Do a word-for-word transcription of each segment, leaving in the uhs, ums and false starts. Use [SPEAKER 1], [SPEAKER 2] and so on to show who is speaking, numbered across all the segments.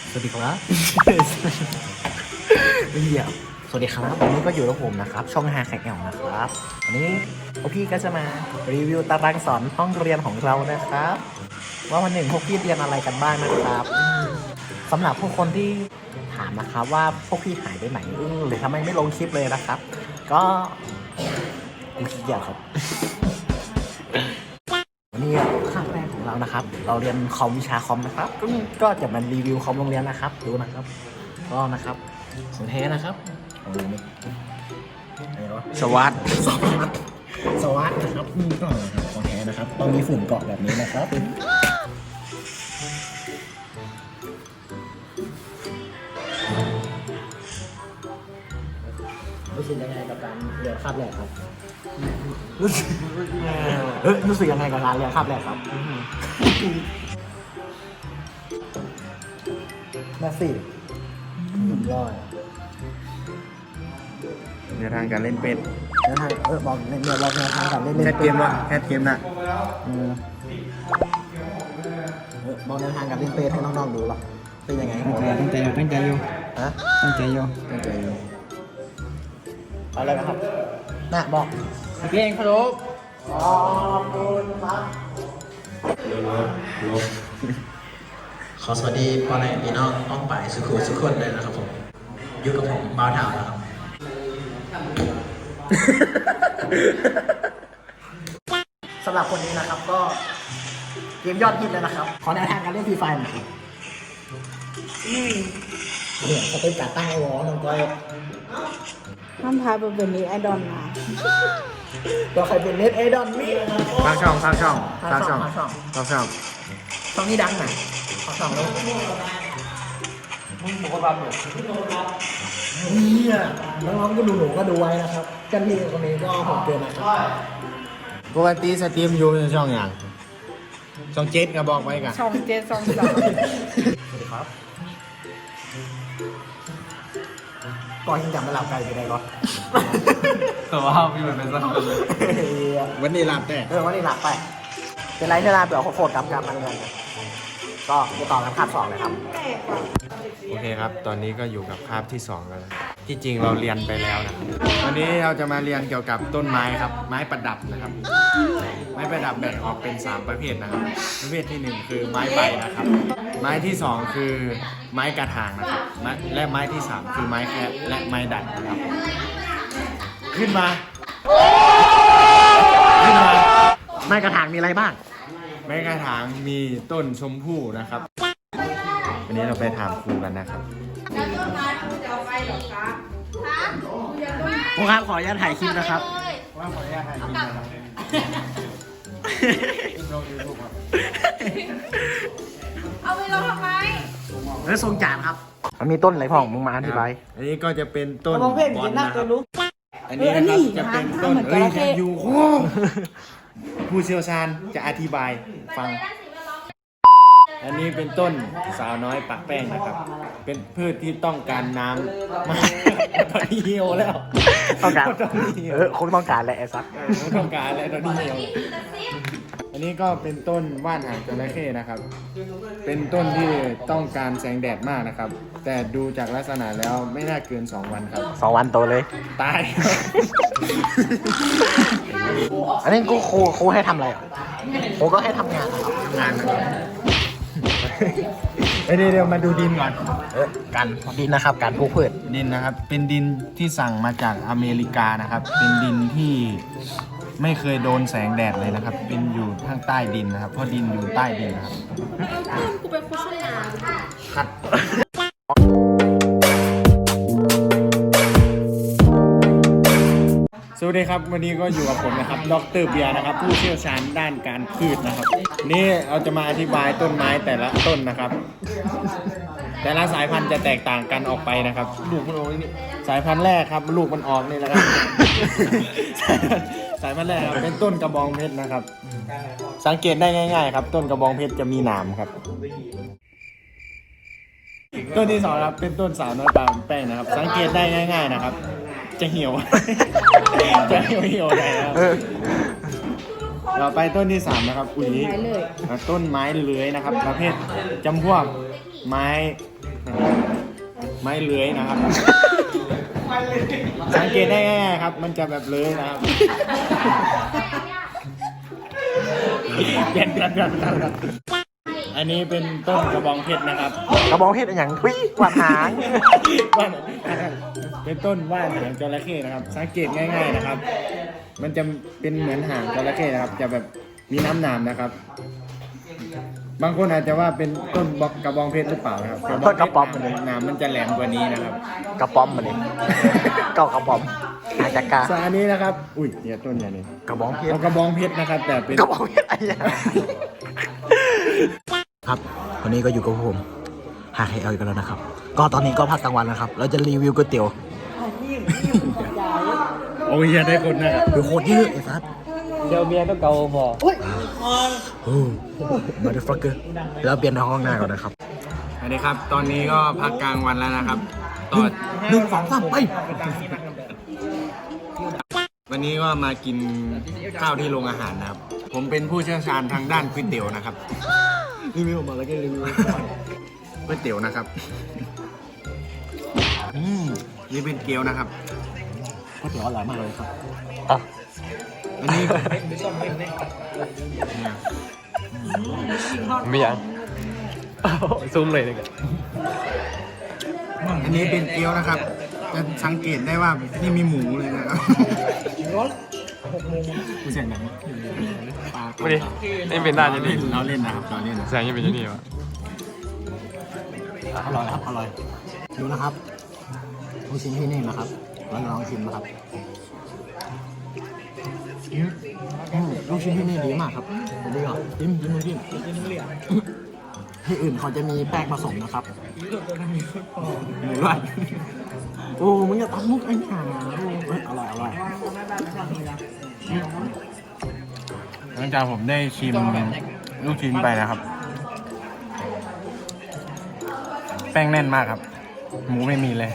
[SPEAKER 1] สวัสดีครับเหี้ยสวัสดีครับวันนี้ก็อยู่กับผมนะครับช่องฮาแขกแอลนะครับวันนี้พวกพี่ก็จะมารีวิวตารางสอนห้องเรียนของเรานะครับว่าวันหนึ่งพวกพี่เรียนอะไรกันบ้างนะครับสำหรับผู้คนที่ถามนะครับว่าพวกพี่หายไปไหนหรือทำไมไม่ลงคลิปเลยนะครับก็กูขี้เกียจครับวันนี้คาบแรกของเรานะครับเราเรียนคอมวิชาคอมนะครับก็ก็จะมารีวิวคอมโรงเรียนนะครับดูนะครับก็นะครับของแท้นะครับเอาดูนี่อะไรวะ
[SPEAKER 2] สวัสด
[SPEAKER 1] สวัสดสวัสดนะครับนี่ก็นะครับของแท้นะครับต้องมีฝุ่นเกาะแบบนี้นะครับรู้สึกยังไงกับการเรียนคาบแรกครับรู้สึกเอ้ยรู้สึกยังไงกับการเรียนคาบแรกครับแม่สี่หนึ่งร้อย
[SPEAKER 2] ในทางการเล่นเป็ด
[SPEAKER 1] แล้วทางเออบอกเนี่ยบอกแนวทางการเล่นเล่น
[SPEAKER 2] แคทเกมวะแคทเกมน่ะ
[SPEAKER 1] เออเออบอกแนวทางการเล่นเปให้น้องๆดูหรอเป็นยังไง
[SPEAKER 2] ตั้งใจตั้งใจอยู่
[SPEAKER 1] ฮะ
[SPEAKER 2] ตั้งใจอยู่
[SPEAKER 1] ตั้งใจอยู่เอาอะไรนะครับน่ะบอก
[SPEAKER 2] เพลงพะโล้
[SPEAKER 1] ขอบคุณครับขอสวัสดีพ่อแม่พี่น้องอ้อมป่ายสุขุสุขคนเลยนะครับผมอยู่กับผมบ่าวถาวนะครับสำหรับคนนี้นะครับก็เกมยอดฮิตเลยนะครับขอแนวทางการเล่นฟรีไฟหน่อยเนี่ยสเต็ปการตั้งไอ้วอน้องก้อย
[SPEAKER 3] ห้ามพาไปเป็นนี้ไอดอลนะ
[SPEAKER 1] ตัวใครเป็นเน็ตไอดอลนี่
[SPEAKER 2] สร้างช่องสร้างช่องส
[SPEAKER 1] สร้า
[SPEAKER 2] ร้าง ง
[SPEAKER 1] ช่
[SPEAKER 2] ช่
[SPEAKER 1] อ
[SPEAKER 2] อง ง
[SPEAKER 1] สร้างช่อง
[SPEAKER 2] สร้างช่อง
[SPEAKER 1] ช่องนี้ดังหน่อยช่องแล้วเนี่ยน้องๆก็ดูหนูก็ดูไว้นะครับกันที่คนนี้ก็ผมเกินนะครับ
[SPEAKER 2] ปกติสตรีมอยู่ในช่องอย่างช่องเจ็ดก็บอกไว้กัน
[SPEAKER 3] ช่องเจ็ดช่องสาม
[SPEAKER 1] สวัสดีครับก่อนยังจำไม่หลับไกลไปได้ก่อน
[SPEAKER 2] แต่ว่าพี่มันเป็นสักคนวันนี้รับแต่
[SPEAKER 1] เออวันนี้หลับไปเป็นไรที่ลาเปล่าโคตรกับการมันเงินก็ไปต่อกันคาบสองเลยครับ
[SPEAKER 2] โอเคครับ ตอนนี้ก็อยู่กับคาบที่สองแล้วนะที่จริงเราเรียนไปแล้วนะครับวันนี้เราจะมาเรียนเกี่ยวกับต้นไม้ครับไม้ประดับนะครับไม้ประดับแบ่งออกเป็นสามประเภทนะครับประเภทที่หนึ่งคือไม้ใบนะครับไม้ที่สองคือไม้กระถางนะครับไม้และไม้ที่สามคือไม้แคะและไม้ดัดนะครับขึ้นมาขึ้นมา
[SPEAKER 1] ไม้กระถางมีอะไรบ้าง
[SPEAKER 2] ไม้กระถางมีต้นชมพู่นะครับวันนี้เราไปถามครูกันนะครับ
[SPEAKER 1] ครูครับขออนุญาตถ่ายคลิปนะครับ
[SPEAKER 2] ว่าขออนุญาตถ่ายคลิปนะครับลงยูทูบครับ
[SPEAKER 3] เอาไปลงทำไม
[SPEAKER 1] เออทรงจานครับ มันมีต้นอะไรพ่องมึงมาอธิบาย
[SPEAKER 2] อันนี้ก็จะเป็นต้น
[SPEAKER 3] มองเพลง
[SPEAKER 2] บอ
[SPEAKER 3] กิ
[SPEAKER 2] ล
[SPEAKER 3] นนัก
[SPEAKER 2] นะค
[SPEAKER 3] เล
[SPEAKER 2] รั
[SPEAKER 3] ย
[SPEAKER 2] บ
[SPEAKER 3] รู้
[SPEAKER 2] อันนี้นะครับจะเป็นต้น
[SPEAKER 3] เอออันนี้
[SPEAKER 2] เอ้ยอยู่โค้งผู้เชี่ยวชาญจะอธิบายฟัง อันนี้เป็นต้นสาวน้อยปักแป้งนะครับ เป็นพืชที่ต้องการน้ำมากตอนนี้เหี่ยวแล้ว
[SPEAKER 1] ต้องการ
[SPEAKER 2] ตอนนี้เหี่ยว
[SPEAKER 1] เออคงต้องการแหละไอ้ซัก
[SPEAKER 2] ต้องการแล้วตอนนี้เหี่ยวอันนี้ก็เป็นต้นว่านหางจระเข้นะครับ เป็นต้นที่ต้องการแสงแดดมากนะครับ แต่ดูจากลักษณะแล้วไม่น่าเกินสองวันครับ
[SPEAKER 1] สองวันโตเลย
[SPEAKER 2] ตาย
[SPEAKER 1] อันนี้กูครูครูให้ทำอะไรอ่ะครูก็ให้ทำงานนะครับ
[SPEAKER 2] งานนะครับเอ้ยเดี๋ยวเดี๋ยวมาดูดินก่อน
[SPEAKER 1] เออการดินนะครับ การปลูกพืช
[SPEAKER 2] ดินนะครับ เป็นดินที่สั่งมาจากอเมริกานะครับ เป็นดินที่ไม่เคยโดนแสงแดดเลยนะครับ เป็นอยู่ข้างใต้ดินนะครับ เพราะดินอยู่ใต้ดินนะครับ
[SPEAKER 3] กูเป็นโฆษณา
[SPEAKER 2] คัดสวัสดีครับ วันนี้ก็อยู่กับผมนะครับ ดรเบียร์นะครับ ผู้เชี่ยวชาญด้านการพืชนะครับ นี่เราจะมาอธิบายต้นไม้แต่ละต้นนะครับ แต่ละสายพันธุ์จะแตกต่างกันออกไปนะครับ ลูกมันออกนี่สายพันธุ์แรกครับ ลูกมันออกนี่แหละครับ สายพันธุ์แรกครับเป็นต้นกระบองเพชรนะครับ สังเกตได้ง่ายๆครับ ต้นกระบองเพชรจะมีหนามครับ ต้นที่สองครับเป็นต้นสาวน้อยปลาแป้งนะครับ สังเกตได้ง่าย ๆนะครับ จะเหี่ยว จะเหี่ยวเหี่ยวได้นะครับ
[SPEAKER 1] เออ
[SPEAKER 2] ต่อไปต้นที่สามนะครับปุ๋ยต้นไม้เลื้อยนะครับ ประเภทจำพวกไม้ไม้เลื้อยนะครับ สังเกตได้ง่ายๆครับ มันจะแบบเลื้อยนะครับเปลี่ยนเปลี่ยนเปลี่ยนเปลี่ยนอันนี้เป็นต้นกระบองเพชรนะครับ
[SPEAKER 1] กระบองเพชรอย่างทุยกวาดหาง
[SPEAKER 2] ว่านเป็นต้นว่านหางจระเข้นะครับ สังเกตง่าย ๆนะครับ มันจะเป็นเหมือนหางจระเข้นะครับ จะแบบมีน้ำหนามนะครับ บางคนอาจจะว่าเป็นต้นบอกกระบองเพชรหรือเปล่านะครับ
[SPEAKER 1] ต้นกระป๋อม
[SPEAKER 2] หนามมันจะแหลมกว่านี้นะครับ
[SPEAKER 1] กระป๋อมมาดิเก้ากระป๋อมหาจักกา
[SPEAKER 2] ส่วนอันนี้นะครับ อุ้ยเนี่ยต้นเนี่ยนี่
[SPEAKER 1] กระบองเพชร
[SPEAKER 2] เอากระบองเพชรนะครับ แต่เป็น
[SPEAKER 1] กระบองเพชรอะไรอย่างครับวันนี้ก็อยู่กับผมหาใครเอาอีกแล้วนะครับ ก็ตอนนี้ก็พักกลางวันนะครับ เราจะรีวิวก๋วยเตี๋ยว
[SPEAKER 2] โอ้ยอย่าได้คนนะครับ
[SPEAKER 1] คือโคตรเยอะไอ้สัส
[SPEAKER 4] เดี๋ยวเมียต้องเกาพอ
[SPEAKER 1] โอ้มาดูฟักเกอร์แล้วเปลี่ยนห้องหน้าก่อนนะครับ
[SPEAKER 2] อันนี้ครับ ตอนนี้ก็พักกลางวันแล้วนะครับตอน
[SPEAKER 1] หนึ่งสองสามไป
[SPEAKER 2] วันนี้ก็มากินข้าวที่โรงอาหารนะครับ ผมเป็นผู้เชี่ยวชาญทางด้านก๋วยเตี๋ยวนะครับ
[SPEAKER 1] รีวิวมาแล้วก็รีวิว
[SPEAKER 2] ก๋วยเตี๋ยวนะครับ
[SPEAKER 1] อืม
[SPEAKER 2] นี่เป็นเกี๊ยวนะครับ
[SPEAKER 1] ก๋วยเตี๋ยวอร่อยมากเลยครับ
[SPEAKER 2] อันนี้
[SPEAKER 4] ไม่ยังซูมเลยเลยกัน
[SPEAKER 2] อันนี้เป็นเกี๊ยวนะครับ จะสังเกตได้ว่านี่มีหมูเลยนะครับกูเสียงหนัง
[SPEAKER 4] ไม่ดินี่เป็นด้านยัง
[SPEAKER 2] เล่
[SPEAKER 4] นี่
[SPEAKER 2] นเราเล่นนะครับเราเล่นนะ
[SPEAKER 4] แสงยังเป็นยังนี่วะ
[SPEAKER 1] อร่อยครับอร่อยดูนะครับลูกชิ้นที่นี่นะครับเราลองชิมนะครับอืมอืมลูกชิ้นที่นี่ดีมากครับดีอ่ะจิ้มจิ้มจิ้มที่อื่นเขาจะมีแป้งผสมนะครับหมูร้านโอ้มึงอย่าตำมุกไอ้ห่าเฮ้ยอร่อยอร่อย
[SPEAKER 2] หลังจากผมได้ชิมลูกชิ้นไปนะครับ แป้งแน่นมากครับ หมูไม่มีเลย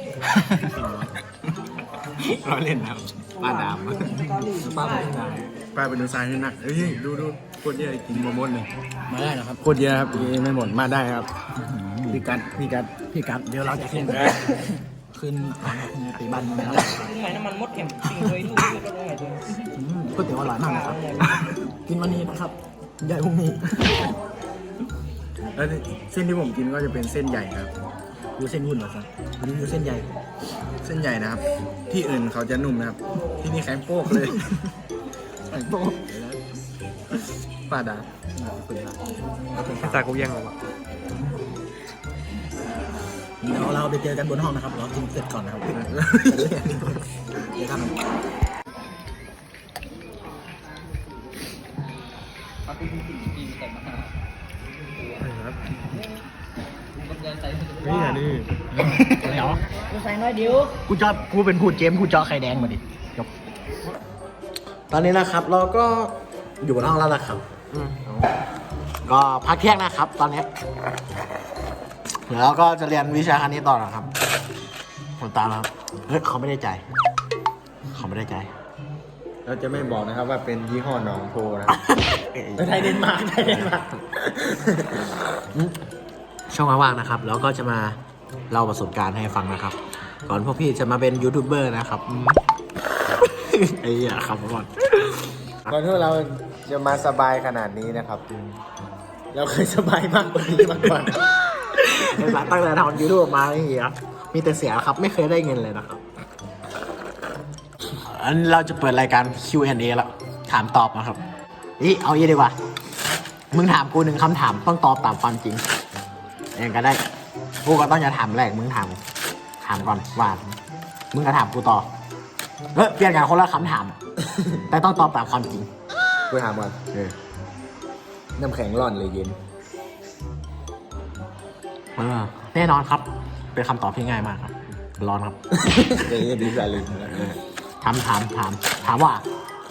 [SPEAKER 2] เราเล่นนะครับป้าดาม
[SPEAKER 1] ป้าบอกว่า
[SPEAKER 2] ป้าเป็นดูซายขึ้นนะเฮ้ยดูดูโคตรเยอะกินหมดเลย
[SPEAKER 1] มาได้นะครับ
[SPEAKER 2] โคตรเยอะครับกินไม่หมดมาได้ครับพี่กัดพี่กัด
[SPEAKER 1] พี่กัดเดี๋ยวเราจะขึ้นขึ้นตีบ้านมึงนะครับ
[SPEAKER 4] หมายน้ำมันมดเข็มจริงเลยลูกก็ได้เลย
[SPEAKER 1] อืมก๋วยเตี๋ยวอร่อยมากนะครับ กินวันนี้นะครับใหญ่พรุ่งนี้
[SPEAKER 2] แล้วเส้นที่ผมกินก็จะเป็นเส้นใหญ่ครับ
[SPEAKER 1] ดูเส้นหุ่นเหรอครับดูดูเส้นใหญ่
[SPEAKER 2] เส้นใหญ่นะครับ ที่อื่นเขาจะนุ่มนะครับ ที่นี่แข็งโป๊กเลย
[SPEAKER 1] แข็งโป๊ก
[SPEAKER 2] ป้าดา
[SPEAKER 4] ภาษากูแย่งหรอวะ
[SPEAKER 1] เดี๋ยวเราไปเจอกันบนห้องนะครับ เรากินเสร็จก่อนนะครับ เดี๋ยวทำ
[SPEAKER 4] นี่อ่ะนี่
[SPEAKER 1] เดี๋ยว
[SPEAKER 3] กูใส่น้อยเดียว
[SPEAKER 1] กูจอกูเป็นผู้เจมผู้เจาะไข่แดงมาดิจบตอนนี้นะครับ เราก็อยู่บนห้องแล้วนะครับก็พักเที่ยงนะครับ ตอนนี้เดี๋ยวเราก็จะเรียนวิชาคณิตต่อนะครับผมตามแล้วเฮ้ยเขาไม่ได้ใจายเขาไม่ได้ใจาย
[SPEAKER 2] เราจะไม่บอกนะครับว่าเป็นยี่ห้อหนองโพนะ
[SPEAKER 1] ไทยเดนมาร์กไทยเดนมาร์กช่วงว่างๆนะครับแล้วก็จะมาเล่าประสบการณ์ให้ฟังนะครับ ก่อนพวกพี่จะมาเป็นยูทูบเบอร์นะครับไอ้เหี้ยครับก่อน
[SPEAKER 2] ก่อนที่เราจะมาสบายขนาดนี้นะครับ เราเคยสบายมากกว่านี้มาก่อน
[SPEAKER 1] ในสายตั้งแต่ทำยูทูบมาไอ้เหี้ยมีแต่เสียครับไม่เคยได้เงินเลยนะครับอันเราจะเปิดรายการ คิว แอนด์ เอ แล้วถามตอบนะครับนี่เอาอย่างนี้ดีกว่ามึงถามกูหนึ่งคำถามต้องตอบตามความจริงเองก็ได้กูก็ต้องจะถามแรกมึงถามถามก่อนว่ามึงก็ถามกูต่อเออเปลี่ยนกันคนละคำถาม แต่ต้องตอบตามความจริง
[SPEAKER 2] กูถามก่อน
[SPEAKER 1] เออ
[SPEAKER 2] น้ำแข็งร้อนหรือเย็น
[SPEAKER 1] เออแน่นอนครับ เป็นคำตอบที่ง่ายมากครับร้อนครับ
[SPEAKER 2] เย็นดีสาลิน
[SPEAKER 1] ถามถามถามถามว่า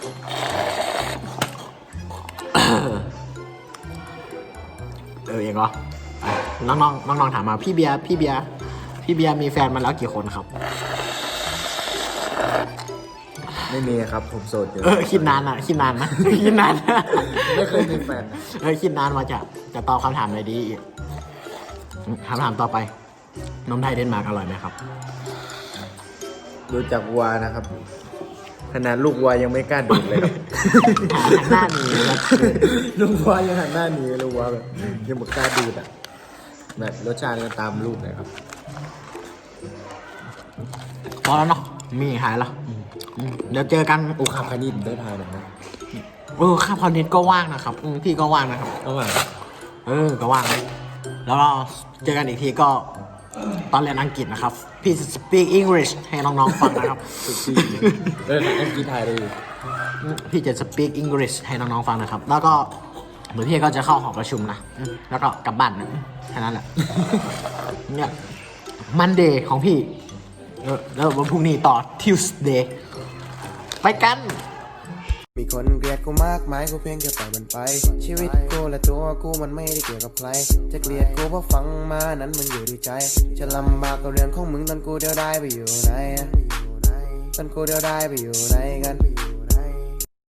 [SPEAKER 1] เออเองเหรออ่ะน้องน้องน้องน้องๆถามมาพี่เบียร์พี่เบียร์พี่เบียร์มีแฟนมาแล้วกี่คนครับ
[SPEAKER 2] ไม่มีครับผมโสดอยู่
[SPEAKER 1] เออคิดนานอ่ะคิดนานนะ คิดนานนะ
[SPEAKER 2] ไม่เคยมีแฟนนะ
[SPEAKER 1] เออคิดนานมาจะจะตอบคำถามเลยดีคำถามต่อไปนมไทยเดนมาร์กอร่อยไหมครับ
[SPEAKER 2] ดูจากวัวนะครับขนาดลูกวัวยังไม่กล้าดูดเลยครับ
[SPEAKER 1] หันหน้าหนีครับ
[SPEAKER 2] ลูกวัวยังหันหน้าหนีลูกวัวแบบยังไม่กล้าดูดอ่ะแบบรสชาติก็ตามลูกเลยครับ
[SPEAKER 1] พอแล้วเนาะมีหายแล้วอืมเดี๋ยวเจอกัน
[SPEAKER 2] โอ้คาพานิดได้ทายหน่อยนะ
[SPEAKER 1] เออข้าพอนิดก็ว่างนะครับอืมพี่ก็ว่างนะครับ
[SPEAKER 2] เอาว่า
[SPEAKER 1] เออ ก็ว่างเลยแล้วเราเจอกันอีกทีก็ตอนเรียนอังกฤษนะครับ พี่ speak English ให้น้องๆฟังนะครับ
[SPEAKER 2] สุดที่เอออังกฤษไทยเลย
[SPEAKER 1] พี่จะ speak English ให้น้องๆฟังนะครับ แล้วก็เหมือนพี่ก็จะเข้าหอประชุมนะอืมแล้วก็กลับบ้านนะแค่นั้นแหละ เนี่ยมันเดย์ของพี่เออแล้ววันพรุ่งนี้ต่อ Tuesday ไปกัน
[SPEAKER 5] มีคนเกลียดกูมากมายกูเพียงแค่ปล่อยมันไป ชีวิตกูและตัวกูมันไม่ได้เกี่ยวกับใคร จะเกลียดกูเพราะฟังมานั้นมันอยู่ที่ใจ จะลำบากกับเรื่องของมึงตอนกูเดียวได้ไปอยู่ไหนตอนกูเดียวได้ไปอยู่ไหนกัน